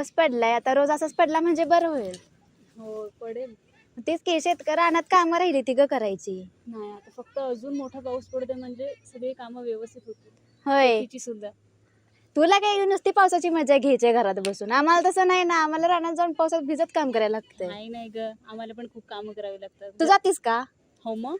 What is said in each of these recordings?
पाऊस पडलाय आता, रोज असाच पडला म्हणजे बरं होईल. हो पडेल. तेच की शेतकरी रानात कामं राहिली ती ग करायची. नाही आता फक्त अजून मोठा पाऊस पडते म्हणजे सगळी कामं व्यवस्थित होतील. होय, शेतीची सुद्धा. तुला काय नुसती पावसाची मजा घ्यायची घरात बसून, आम्हाला तसं नाही ना, आम्हाला रानात जाऊन पावसात भिजत काम करायला लागतंय. नाही नाही ग, आम्हाला पण खूप कामं करावी लागतात. तू जातीस का? हो मग.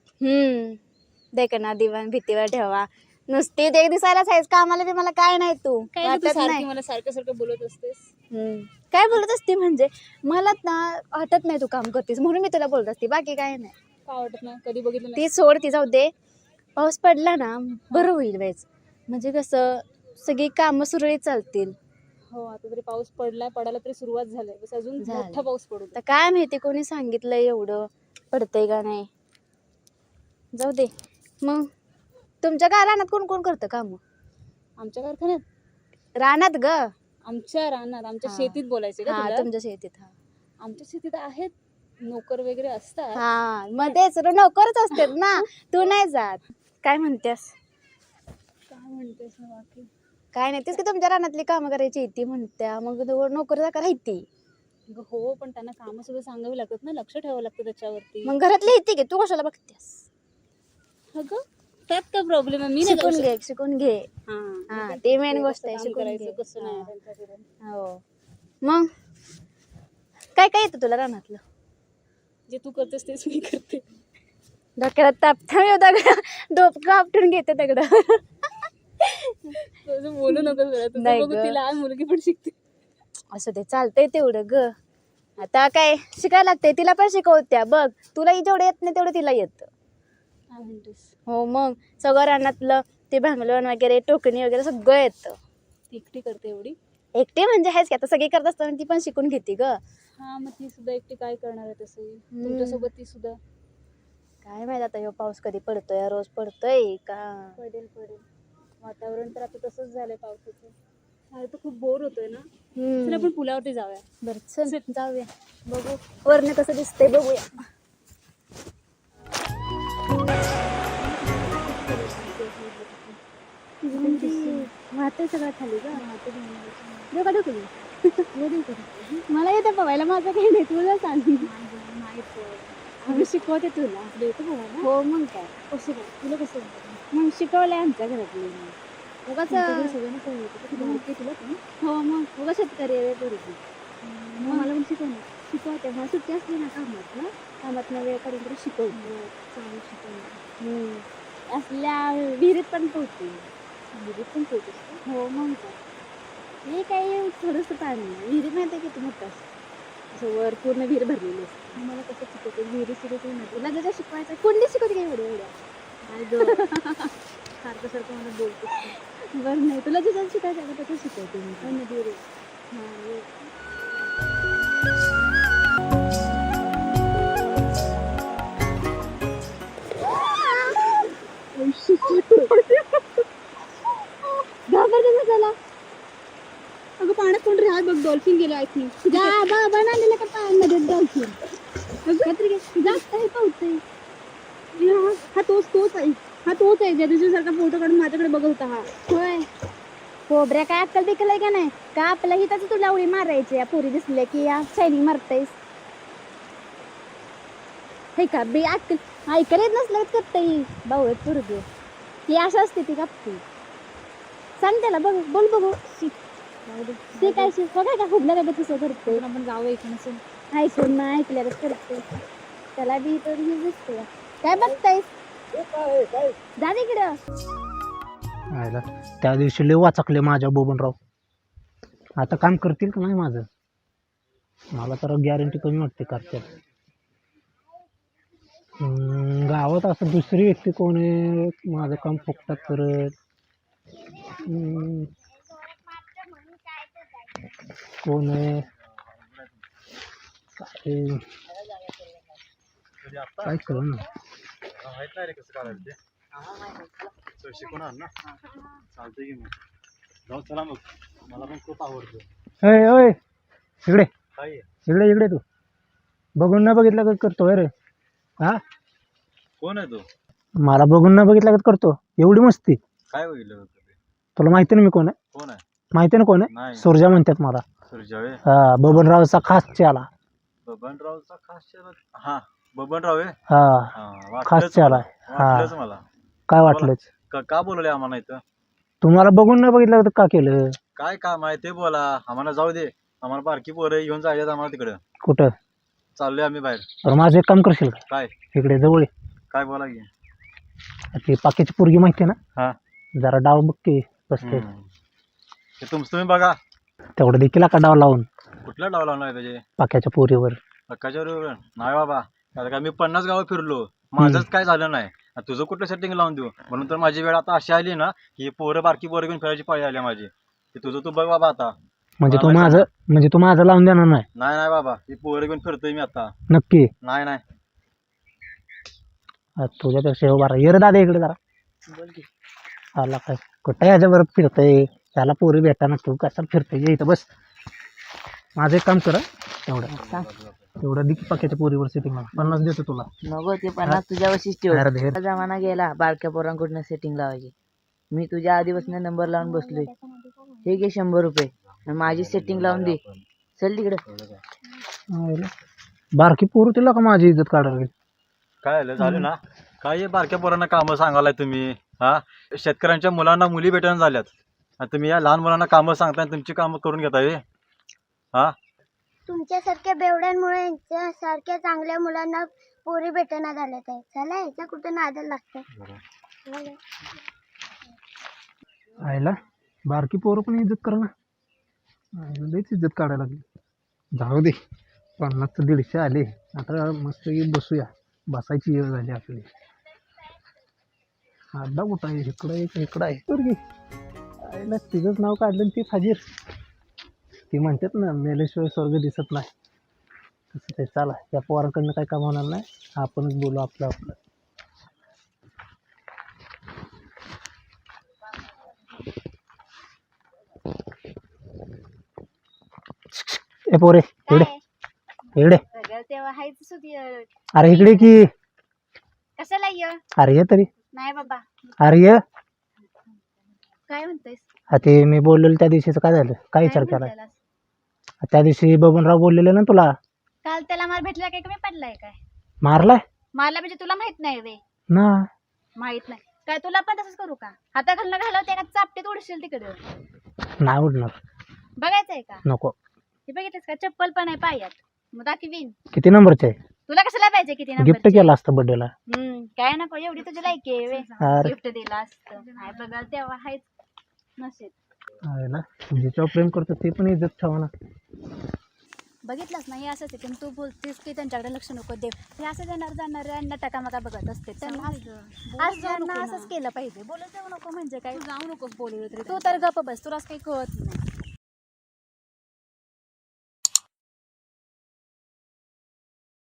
देखना दिवाण भीतीवर ठेवा, नुसती देख दिसायलाच आहेस, कामाला बी मला काय नाही, तू काय ग, तू वाटत सारखी नाही. मला सारखं सारखं बोलत असतेस. काय बोलत असते म्हणजे मला ना वाटत नाही तू काम करतेस म्हणून मी तुला बोलत असते, बाकी काय नाही. का वाटत नाही? कधी बघितलं नाही. ती सोड, ती जाऊ दे. पाऊस पडला ना बरं होईल वेळेस, म्हणजे कसं सगळी कामं सुरळीत चालतील. हो आता तरी पाऊस पडलाय, पडायला तरी सुरुवात झाली, बस अजून झालं. मोठा पाऊस पडू दे. तर काय माहिती कोणी सांगितलं एवढं पडतंय का नाही, जाऊ दे. मग तुमच्या काय रानात कोण कोण करतं काम? आमच्या कारखान्यात? रानात ग. आमच्या रानात, आमच्या हा. शेतीत बोलायचे का हा, तुला? तुमच्या शेतीत. हा आमच्या शेतीत आहेत नोकर वगैरे असतात. हा, मग तेच नोकरच असतात ना, तू नाही जात. काय म्हणतेस? काय म्हणतेस ना बाकी? काय नाही, तेच की तुमच्या रानातली कामं करायची ती म्हणत्या, मग नोकर जागा राहती. हो पण त्यांना कामं सुद्धा सांगावी लागतात ना, लक्ष ठेवावं लागतं त्याच्यावरती. मग घरातली येते की, तू कशाला बघतेस? अगं त्यात काय प्रॉब्लेम आहे? मी नाही जाऊ शकत. शिकून घे. हा, ते मेन गोष्ट आहे, कसं काम शिकून करायचं घे. कसं नाही त्यांच्याकडे. हो, मग काय काय येतं तुला रानातलं? जे तू करतेस तेच मी करते. डोक्याला ताप डोकं आपटून घेते दगड. तसं बोलू नको जरा, तुझं नाही बघू ग. ती लहान मुलगी पण शिकते. असं ते चालतंय तेवढं ग, आता काय शिकायला लागतंय, तिला पण शिकवत्या बघ, तुला जेवढं येत नाही तेवढं तिला येतं. काय म्हणतेस? हो, मग सगळं रानातलं ते भांगलण वगैरे टोकणी वगैरे सगळं येतं. ती एकटी करते एवढी? एकटी म्हणजे आहेच की, आता सगळी करत असताना ती पण शिकून घेते ग. हा मग ती सुद्धा एकटी काय करणार आहे तसं तुमच्यासोबत ती सुद्धा? काय माहित आता ह्यो पाऊस कधी पडतोय, रोज पडतोय का? पडेल पडेल, वातावरण तर आता तसंच झालंय पावसाचं. मला तर खूप बोर होतोय ना. चल आपण पुलावरती जाऊया. बरं चल जाऊया, बघू वरनं कसं दिसतंय बघूया. वाहतंय सगळं खाली ग, डोका ढकलू. मला येतं पवायला, माझं काही नाही, तुला सांग. आम्ही शिकवते तुला. हो मग काय, कसं काय तुला कसं मग शिकवलंय आमच्या घरातली. उगाच सगळ्यांना तुला पण? हो, मग उगा शेतकरी आहे पोरगी. मग मला पण शिकव ना. शिकवते, मग सुट्टी असली ना कामातनं वेळ काढून तरी शिकवते. चालेल शिकव. असल्या विहिरीत पण पोहते. विहिरीत पण पोहतेस का? हो मग काय, हे काही थोडंसं पाणी आहे, विहिरी माहिती आहे किती मोठं असतं, असं वर पूर्ण विहीर भरलेली असते. मला कसं शिकवते? विहिरी शिकवते ना तुला जसं शिकवायचं कोणती शिकवते काय एवढ्या नाही ग. सारखं सारखं मला बोलतेस. बरं नाही, तुला जसं शिकायचं आहे तसं शिकवते मी. पण विहिरी झाला. अगं पाण्यात कोण राहत बघ, डॉल्फिन गेलं आय थिंक. बनालेलं का पाण्यामध्ये डॉल्फिन जास्त हे पावतंय. हा तोच आहे ज्या दिवशी सारखा फोटो काढून माझ्याकडे बघत होता हा. होय, खोबऱ्या काय अक्कल बिकल आहे का नाही? का आपल्या हिताच तुला उडी मारायची या पोरी दिसले की या शायनिंग मारतायस? हे का बी अक्कल ऐकायला येत नसलं करताय बावळत पोरगी. ती अशा असते ती कापती. सांग त्याला, बघ बोल बघू. ते काय शिक बघाय का हुबल्या काय तसं करते. आपण जावं इकडे. ऐकून ना ऐकल्यावर करते, त्याला बी तर हे दिसते. काय बघतायस? जा तिकडं. त्या दिवशी लय वाचकले माझ्या बबनराव, आता काम करतील का नाही माझं? मला तर गॅरंटी कमी वाटते करतात. गावात असं दुसरी व्यक्ती कोण आहे माझं काम फुकटात करत? कोण आहे? काय करू ना. शिकवणार ना, चालतंय की मग जाऊ. चला मग, मला पण खूप आवडतं. ओय इकडे काय इकडे इकडे, तू बघून न बघितलं का करतोय रे? हा, कोण आहे तू? मला बघून न बघितलं का करतो एवढी मस्ती? काय बघितलं? तुला माहिती ना मी कोण आहे? कोण आहे? माहिती ना कोण आहे? नाही. सुरजा म्हणतात मला. सुरजावे हा बबनरावचा खास चेला. बबनरावचा खास चेला. हा बबनराव आहे. हा हा खास वाटलंच चेला मला. आहे. हा वाटलंच मला. काय वाटलंच? का बोलवले आम्हाला इथं? तुम्हाला बघून नाही बघितलं तर का केलं? काय काम आहे ते बोला. आम्हाला जाऊ दे. आम्हाला बारकी पोरं घेऊन जायचं आम्हाला तिकडं. कुठं? चाललोय आम्ही बाहेर. तर माझं एक काम करशील का? काय इकडे जवळ ये. काय बोला की. ती पाक्याची पोरगी माहिती आहे ना? हा जरा डाव बघ की बसते. ते तुमचं तुम्ही बघा. तेवढं देखील का डाव लावून कुठला डाव लावणार त्याचे पाक्याच्या पोरीवर? हक्काच्या बरोबर नाही बाबा. आता काय मी 50 गावं फिरलो. माझंच काय झालं नाही. आता तुझं कुठलं सेटिंग लावून देऊ? म्हणून तर माझी वेळ आता अशी आली ना की पोरं बारकी पोरं घेऊन फिरायची पाळी आली माझी. ते तुझं तू बघ बाबा आता. म्हणजे तू माझं लावून देणार नाही? नाही नाही बाबा. ही पोरं घेऊन फिरतोय मी आता. नक्की? नाही नाही. तुझ्यापेक्षा हे बरा ये रे दादा इकडे जरा. आला काय कुठं ह्याच्याबरोबर फिरतय? त्याला पोरी भेटाना तू कसा फिरतय? ये इथं बस. माझं एक काम कर हं. तेवढं दिकी पाक्याच्या पोरीवर सेटिंग 50 देतो तुला. नको ते 50 तुझ्यावरशीच ठेव. अरे धीर. आता जमाना गेला बारक्या पोरांकडून सेटिंग लावायची. मी तुझ्या आधीपासून नंबर लावून बसलोय. हे घे 100 रुपये आणि माझी सेटिंग लावून दे. चल तिकडे. बारकी पोरं तिला का माझी इज्जत काढायला गेली? काय झालं ना? काय हे बारक्या पोरांना कामं सांगायला तुम्ही? हा शेतकऱ्यांच्या मुलांना मुली भेटून झाल्यात आणि तुम्ही या लहान मुलांना कामं सांगताय आणि तुमची कामं करून घेताय. हा तुमच्यासारख्या बेवड्यांमुळे यांच्यासारख्या चांगल्या मुलांना पोरी भेटना झाल्यात आहे. चला ह्याच्या कुठं नादाला लागतं. आयला बारकी पोरं पण इज्जत कर ना. लईच इज्जत काढायला लागली. जाऊ दे 50 ते 150 आले. आता मस्त बसूया. बसायची वेळ झाली आपली. अड्डा कुठं आहे? इकडं एक इकडं आहे पोरगी. आयला तिचंच नाव काढलं आणि तीच हजीर. ती म्हणतात ना मेल्याशिवाय स्वर्ग दिसत नाही. तसं ते चला त्या पोराकडनं काही काम होणार नाही. आपणच बोलू आपलं आपलं. ए पोरे इकडे इकडे. तेव्हा हायच होती. अरे इकडे की. कशाला ये? अरे ये तरी. नाही बाबा. अरे ये. काय म्हणतोयस? हा ते मी बोललेलं त्या दिवशीचं काय झालं? काय विचार केला? त्या दिवशी बबनराव बोललेले ना तुला. काल त्याला मार भेटला काय कमी पडलाय काय? मारलाय मारला म्हणजे तुला माहित नाही वे? ना? माहित नाही काय? तुला पण तसंच करू का? हाताखालनं घालवते का चापटीत उडशील तिकडे? नाही उडणार. बघायचंय का? नको. हे बघितलंस का? चप्पल पण आहे पायात. मग दाखवीन. किती नंबरचे आहे? तुला कशाला पाहिजे किती गिफ्ट नंबरचे? केलं असतं बर्थडेला. काय नको एवढी तुझी लायकी आहे वे. अरे गिफ्ट दिला असतं. नाही बघा तेव्हा हायच नसेल. आहे ना जिच्यावर प्रेम करतो ते पण इज्जत ठेवा ना. बघितलंच नाही असंच आहे. तू बोलतेस की त्यांच्याकडे लक्ष नको देव. हे असं जाणार टकामका बघत असते. त्यांना असंच केलं पाहिजे. बोलत जाऊ नको म्हणजे काय? जाऊ नकोस बोलवलं तरी. तू तर गप्प बस. तुलाच काही कळत नाही.